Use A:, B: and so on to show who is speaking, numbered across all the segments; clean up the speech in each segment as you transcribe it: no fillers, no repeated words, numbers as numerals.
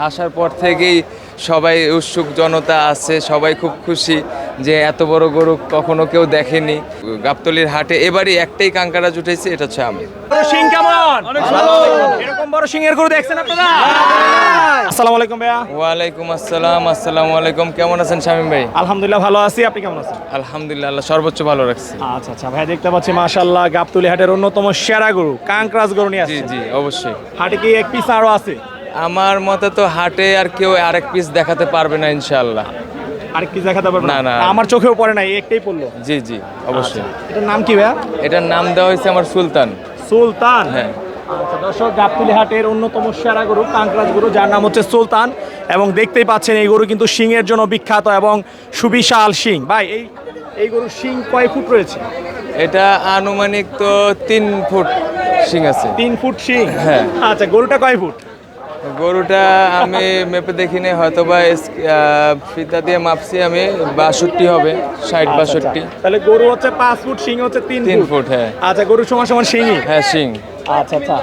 A: আসার পর থেকেই সবাই উৎসুক জনতা আছে, সবাই খুব খুশি যে এত বড় গরু কখনো কেউ দেখেনি। গাবতলীর হাটে এবারই একটাই কাঙ্কারা জুটেছে, এটা হচ্ছে আমি।
B: বড় শিং কেমন? অনেক ভালো। এরকম বড় শিংয়ের গরু দেখছেন আপনারা? আসসালামু আলাইকুম ভাইয়া।
A: ওয়ালাইকুম আসসালাম। আসসালামু আলাইকুম। কেমন আছেন শামীম ভাই?
B: আলহামদুলিল্লাহ ভালো আছি, আপনি কেমন আছেন?
A: আলহামদুলিল্লাহ, আল্লাহ সর্বোচ্চ ভালো রাখছে।
B: আচ্ছা আচ্ছা ভাই, দেখতে পাচ্ছি মাশাআল্লাহ গাবতলী হাটের অন্যতম সেরা গরু কাঙ্করাজ গরু নিয়ে
A: জি
B: আসছেন।
A: জি অবশ্যই।
B: হাটে কি এক পিস আরো আছে?
A: আমার মতে তো হাটে আর কেউ আরেক পিস দেখাতে পারবে না ইনশাআল্লাহ।
B: আরেক পিস দেখাতে পারবেন?
A: না, না।
B: আমার চোখেও পড়ে নাই, একটাই পড়লো।
A: জি জি অবশ্যই।
B: এটার নাম কি ভাইয়া?
A: এটার নাম দেওয়া হয়েছে আমার সুলতান।
B: সুলতান।
A: হ্যাঁ।
B: আচ্ছা দর্শক, গাবতলী হাটের অন্যতম সেরা গরু কাঙ্করাজ গরু, যার নাম হচ্ছে সুলতান। এবং দেখতেই পাচ্ছেন এই গরু কিন্তু শিংয়ের জন্য বিখ্যাত এবং সুবিশাল শিং। ভাই এই গরুর শিং কয় ফুট রয়েছে?
A: এটা আনুমানিক তো 3 ফুট শিং আছে।
B: 3 ফুট শিং।
A: হ্যাঁ।
B: আচ্ছা, গরুটা কয় ফুট?
A: গরুটা আমি মেপে দেখিনি, হয়তো বা ফিতা দিয়ে মাপছি আমি, 62 হবে, 60-62।
B: তাহলে গরু হচ্ছে 5 ফুট, শিং হচ্ছে 3
A: 3
B: ফুট।
A: ফুট, হ্যাঁ।
B: আচ্ছা, গরু সমান সমান শিংই।
A: হ্যাঁ শিং।
B: আচ্ছা আচ্ছা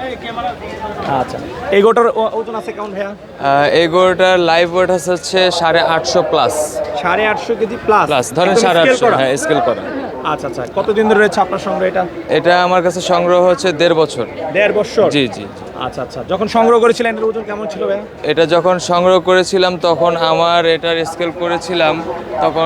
B: আচ্ছা, এই গরুটার ওজন আছে কেমন ভাইয়া?
A: এই গরুটার লাইভ ওয়েট হচ্ছে 850 প্লাস।
B: 850 KG plus.
A: প্লাস ধরেন 850, হ্যাঁ স্কেল করা।
B: আচ্ছা আচ্ছা, কতদিন ধরে রয়েছে আপনার সঙ্গে এটা?
A: এটা আমার কাছে সংগ্রহ হচ্ছে 1.5 বছর।
B: 1.5 বছর?
A: জি জি।
B: আচ্ছা আচ্ছা, যখন সংগ্রহ করেছিলেন এর ওজন কেমন ছিল ভাইয়া?
A: এটা যখন সংগ্রহ করেছিলাম তখন আমার এটার স্কেল করেছিলাম তখন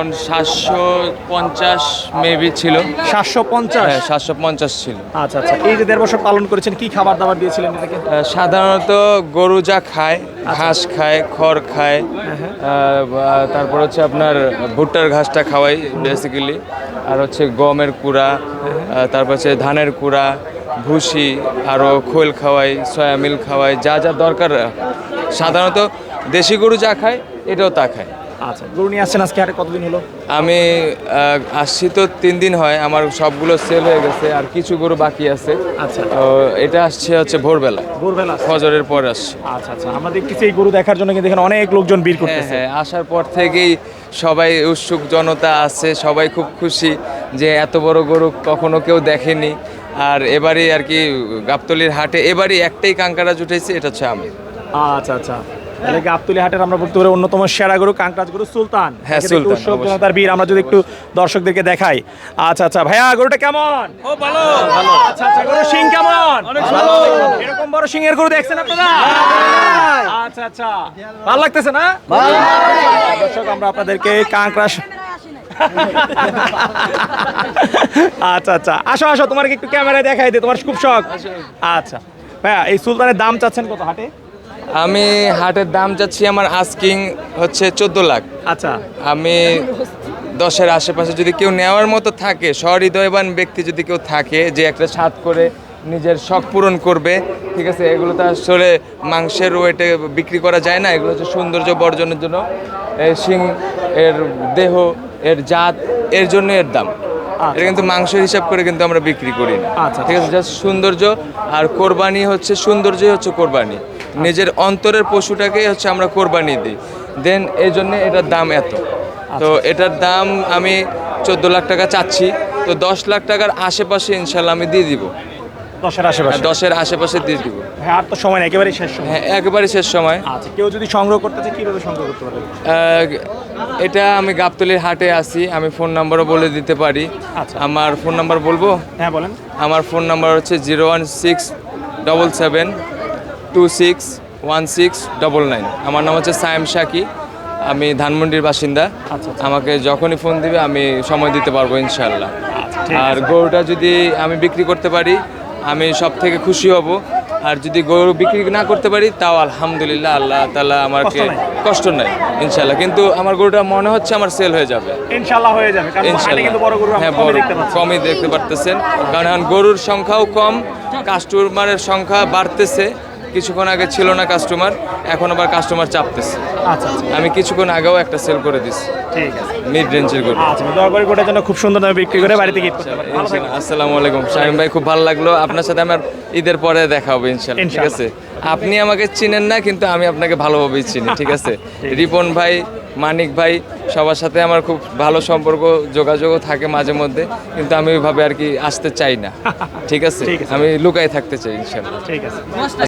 A: 750 মেবি ছিল।
B: 750?
A: হ্যাঁ 750 ছিল।
B: আচ্ছা আচ্ছা, এই যে 1.5 বছর পালন করেছেন, কি খাবার দাবার দিয়েছিলেন এটাকে?
A: সাধারণত গরু যা খায়, ঘাস খায়, খড় খায়, তারপর হচ্ছে আপনার ভুট্টার ঘাসটা খাওয়াই বেসিক্যালি, আর হচ্ছে গমের কুড়া, তারপর হচ্ছে ধানের কুড়া, ভুসি, আরও খোল খাওয়াই, সয়া মিল খাওয়াই, যা যা দরকার। সাধারণত দেশি গরু যা খায় এটাও তা খায়।
B: আচ্ছা, গরু নিয়ে আসছেন আজকে হাটে, কতদিন হলো?
A: আমি আসছি তো 3 দিন হয়, আমার সবগুলো সেল হয়ে গেছে, আর কিছু গরু বাকি আছে।
B: আচ্ছা।
A: তো এটা আসছে হচ্ছে ভোরবেলা,
B: ভোরবেলা
A: ফজরের পর আসছে।
B: আচ্ছা আচ্ছা, আমরা দেখতেছি এই গরু দেখার জন্য কিন্তু এখানে অনেক লোকজন ভিড়
A: হ্যাঁ
B: করতেছে।
A: হ্যাঁ, আসার পর থেকেই সবাই উৎসুক জনতা আছে, সবাই খুব খুশি যে এত বড় গরু কখনো কেউ দেখেনি। আর এবারই আর কি গাবতলীর হাটে এবারই একটাই কাঙ্কারা জুটেছে, এটা হচ্ছে আমি।
B: আচ্ছা আচ্ছা, তাহলে গাবতলী হাটের আমরা বলতে পারি অন্যতম সেরা গরু কাঙ্করাজ গরু সুলতান।
A: হ্যাঁ,
B: একে দেখতে
A: সুলতান,
B: উৎসব
A: অবশ্যই।
B: জনতার ভিড়, আমরা যদি একটু দর্শকদেরকে দেখাই। আচ্ছা আচ্ছা ভাইয়া, গরুটা কেমন?
C: ও ভালো।
B: আচ্ছা আচ্ছা, গরুর শিং কেমন?
C: অনেক ভালো।
B: এরকম বড় শিংয়ের গরু দেখছেন আপনারা? আচ্ছা আচ্ছা, ভালো লাগতেছে না? দর্শক, আমরা আপনাদেরকে কাঙ্কড়া আচ্ছা আচ্ছা, আসো আসো, তোমার একটু ক্যামেরায় দেখাই দে, তোমার খুব শখ। আচ্ছা ভাইয়া, এই সুলতানের দাম চাচ্ছেন কত হাটে?
A: আমি হাটের দাম চাচ্ছি, আমার আস্কিং হচ্ছে 14 লাখ।
B: আচ্ছা
A: আমি 10-এর আশেপাশে যদি কেউ নেওয়ার মতো থাকে, সহৃদয়বান ব্যক্তি যদি কেউ থাকে যে একটা স্বাদ করে নিজের শখ পূরণ করবে, ঠিক আছে, এগুলো তো আসলে মাংসের ওয়েটে বিক্রি করা যায় না, এগুলো হচ্ছে সৌন্দর্য বর্জনের জন্য, শিং এর দেহ, এর জাত, এর জন্য এর দাম। এটা কিন্তু মাংসের হিসাব করে কিন্তু আমরা বিক্রি করি না,
B: আচ্ছা।
A: ঠিক আছে, জাস্ট সৌন্দর্য। আর কোরবানি হচ্ছে সৌন্দর্যই হচ্ছে কোরবানি, নিজের অন্তরের পশুটাকেই হচ্ছে আমরা কোরবানি দিই, দেন এই জন্য এটার দাম এত। তো এটার দাম আমি 14 লাখ টাকা চাচ্ছি, তো 10 লাখ টাকার আশেপাশে ইনশাল্লাহ আমি দিয়ে দিব।
B: 10-এর আশেপাশে?
A: 10-এর আশেপাশে দিয়ে দিব।
B: হ্যাঁ, আর তো সময় নেই, একেবারে শেষ সময়।
A: হ্যাঁ একেবারে শেষ সময়।
B: আচ্ছা, কেউ যদি সংগ্রহ করতে চায় কিভাবে সংগ্রহ করতে পারবে?
A: এটা আমি গাবতলীর হাটে আছি, আমি ফোন নাম্বারও বলে দিতে পারি।
B: আচ্ছা।
A: আমার ফোন নাম্বার বলবো?
B: হ্যাঁ বলেন।
A: আমার ফোন নাম্বার হচ্ছে 01677261699। আমার নাম হচ্ছে সায়েম শাকি, আমি ধানমন্ডির বাসিন্দা।
B: আচ্ছা।
A: আমাকে যখনই ফোন দিবে আমি সময় দিতে পারবো ইনশাল্লাহ।
B: ঠিক
A: আর গরুটা যদি আমি বিক্রি করতে পারি আমি সব থেকে খুশি হব, আর যদি গরু বিক্রি না করতে পারি তাও আলহামদুলিল্লাহ, আল্লাহ তাআলা আমাকে কষ্ট নাই ইনশাল্লাহ। কিন্তু আমার গরুটা মনে হচ্ছে আমার সেল হয়ে যাবে
B: ইনশাআল্লাহ হয়ে যাবে, কারণ হাটে কিন্তু বড় গরু
A: হ্যাঁ,
B: আমরা কমই দেখতে পাচ্ছি।
A: কমই দেখতে পারতেছেন, কারণ এখন গরুর সংখ্যাও কম, কাস্টমারের সংখ্যা বাড়তেছে। কিছুক্ষণ আগে ছিল না কাস্টমার, এখন আবার কাস্টমার চাপতেছে।
B: আচ্ছা আচ্ছা,
A: আমি কিছুক্ষণ আগেও একটা সেল করে দিচ্ছি,
B: ঠিক আছে।
A: মিড রেঞ্জের গরু।
B: আচ্ছা, দয়া করে গোটার জন্য খুব সুন্দর দামে বিক্রি করে বাড়িতে গিফট করতে পারেন। ভালো থাকবেন।
A: আসসালামু আলাইকুম শামীম ভাই, খুব ভালো লাগলো আপনার সাথে। আমার ঈদের পরে দেখা হবে ইনশাল্লাহ, ঠিক আছে? আপনি আমাকে চিনেন না, কিন্তু আমি আপনাকে ভালোভাবেই চিনি, ঠিক আছে? রিপন ভাই, মানিক ভাই, সবার সাথে আমার খুব ভালো সম্পর্ক, যোগাযোগও থাকে মাঝে মধ্যে, কিন্তু আমি ওইভাবে আর কি আসতে চাই না, ঠিক আছে?
B: ঠিক আছে।
A: আমি লুকাই থাকতে চাই ইনশাল্লাহ।
B: ঠিক আছে।